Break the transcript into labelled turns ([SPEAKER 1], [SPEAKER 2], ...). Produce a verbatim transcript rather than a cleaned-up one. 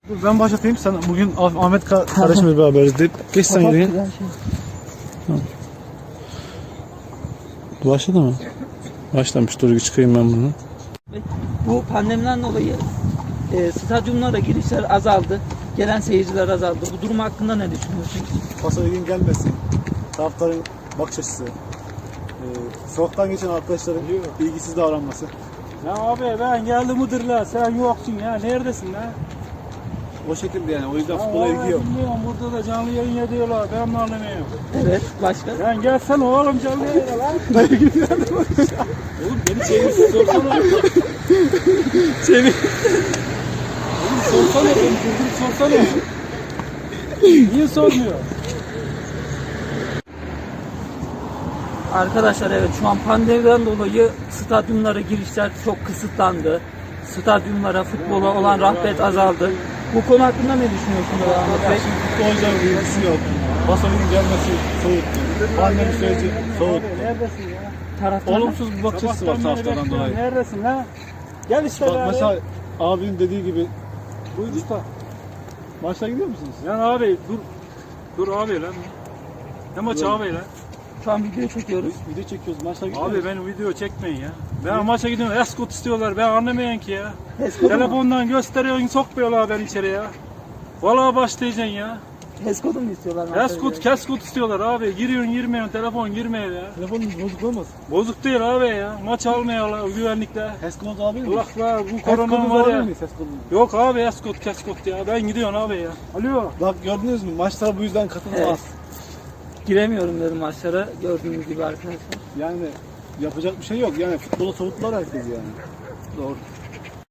[SPEAKER 1] Dur ben başlatayım, sen bugün Ah- Ahmet ka kardeşimle beraberiz deyip geç sen yürüyün. Tamam. Başladı mı? Başlamış, dur çıkayım ben bunu.
[SPEAKER 2] Bu pandemiden dolayı e, stadyumlara girişler azaldı. Gelen seyirciler azaldı. Bu durum hakkında ne düşünüyorsunuz?
[SPEAKER 1] Pasa ilgin gelmesin. Taraftarın bakış açısı. Ee, sokaktan geçen arkadaşların ilgisiz davranması.
[SPEAKER 3] Ya abi ben geldim Iğdır'la, sen yoksun ya, neredesin lan?
[SPEAKER 1] O şekilde yani, o yüzden
[SPEAKER 3] Ya
[SPEAKER 1] futbola ilgi
[SPEAKER 3] vallahi
[SPEAKER 1] yok.
[SPEAKER 3] bilmiyorum, burada da canlı yayın ediyorlar, ben mi anlamıyorum?
[SPEAKER 2] Evet, başka?
[SPEAKER 3] Sen gelsene oğlum canlı yayına lan. Oğlum beni çevirsin sorsana.
[SPEAKER 2] Çevir.
[SPEAKER 3] Oğlum sorsana, beni durdurup sorsana. Niye sormuyor?
[SPEAKER 2] Arkadaşlar evet, şu an pandemiden dolayı stadyumlara girişler çok kısıtlandı. Stadyumlara, futbola olan rağbet azaldı. Bu konu hakkında ne düşünüyorsunuz Ahmet Bey?
[SPEAKER 1] Futbolcuların ilgisi yok. Pasa ilgin gelmesi soğuttu. Pandemi süreci soğuttu.
[SPEAKER 3] Neredesin ya?
[SPEAKER 2] Taraftarlar.
[SPEAKER 1] Olumsuz bir bakış açısı var
[SPEAKER 3] Sabahtan beri
[SPEAKER 1] taraftardan
[SPEAKER 3] bekliyorum,
[SPEAKER 1] dolayı.
[SPEAKER 3] neredesin lan? Gel işte
[SPEAKER 1] Bak
[SPEAKER 3] be
[SPEAKER 1] mesela
[SPEAKER 3] abi.
[SPEAKER 1] abinin dediği gibi,
[SPEAKER 3] Buyur usta.
[SPEAKER 1] maçlara gidiyor musunuz?
[SPEAKER 3] Lan abi dur. Dur abi lan. Ne maçı abi lan?
[SPEAKER 2] Şu an video çekiyoruz.
[SPEAKER 1] Video çekiyoruz, maçlara gidiyor
[SPEAKER 3] Abi
[SPEAKER 1] musunuz?
[SPEAKER 3] benim video çekmeyin ya. Ben maça gidiyorum, eskort istiyorlar, ben anlamayan ki ya.
[SPEAKER 2] Heskodu mu?
[SPEAKER 3] Telefondan gösteriyorsun, sokmuyorlar beni içeri ya. Vallahi başlayacaksın ya.
[SPEAKER 2] Heskodu mu istiyorlar?
[SPEAKER 3] Eskort, keskort istiyorlar abi. Giriyorsun, girmiyorsun, telefon girmiyor ya.
[SPEAKER 1] Telefonunuz bozuk olmasın?
[SPEAKER 3] Bozuk değil abi ya. Maç almıyorlar güvenlikle.
[SPEAKER 1] Heskodunuz alabilir miyiz?
[SPEAKER 3] Kulaklar, bu korona
[SPEAKER 1] Heskodunuz
[SPEAKER 3] var
[SPEAKER 1] alabilir
[SPEAKER 3] ya.
[SPEAKER 1] miyiz Heskodunuz?
[SPEAKER 3] Yok abi eskort, keskort ya. Ben gidiyorum abi ya. Alo.
[SPEAKER 1] Bak gördünüz mü? Maçlara bu yüzden katılım
[SPEAKER 2] Evet.
[SPEAKER 1] az.
[SPEAKER 2] Giremiyorum dedim maçlara, gördüğünüz gibi arkadaşlar.
[SPEAKER 1] Yani yapacak bir şey yok. Yani futbola soğuttular herkes yani.
[SPEAKER 2] Doğru.